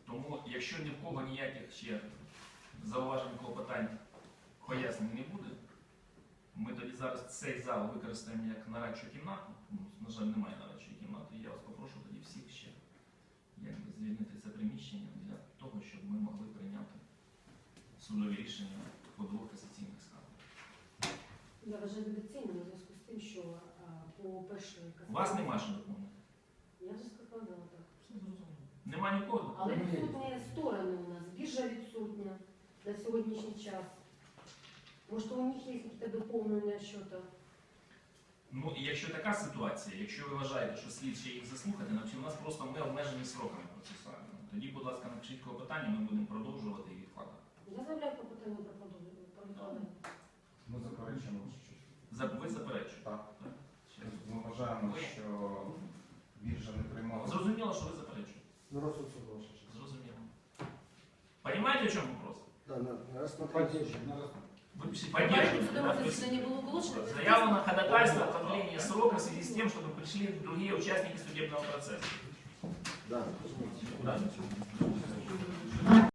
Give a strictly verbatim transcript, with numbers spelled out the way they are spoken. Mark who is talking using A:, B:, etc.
A: Тому, якщо ні в кого ніяких ще зауважень, клопотань, пояснень не буде, ми тоді зараз цей зал використаємо як нарадчу кімнату. Тому, на жаль, немає нарадчої кімнати. Я вас попрошу тоді всіх ще якби, звільнити це приміщення для того, щоб ми могли прийняти судові рішення по двох касаційних скаргах.
B: Я вважаю недоцільним у зв'язку з тим, що а, по першої
A: У вас нема що доповнити?
B: Я вже сказала так.
A: Нема нікого?
B: Але відсутні сторони у нас. Біржа відсутня на сьогоднішній час. Може, у них є якісь доповнення щодо...
A: Ну, і якщо така ситуація, якщо ви вважаєте, що слід ще їх заслухати, значить у нас просто ми обмежені сроками процесуальними. Тоді, будь ласка, напишіть клопотання, ми будемо продовжувати і відкладати.
B: Я заявляю по питанню про продовження. про відкладення.
C: Ми заперечуємо, що
A: За- Ви заперечуєте?
C: так.
A: Так? Ще раз.
C: Ми вважаємо, що біржа не приймала.
A: Зрозуміло, що ви заперечуєте.
D: На розсуд суду, ваша честь.
A: Зрозуміло. Понимаете, в чем вопрос?
D: Да, на, на рассмотрение.
A: Вы пишите
B: Порядок
A: поддерживаете, да,
B: судового
A: то есть
B: заседания было оглашено.
A: заявлено ходатайство о продлении срока в связи с тем, чтобы пришли другие участники судебного процесса.
D: Да.
A: Да?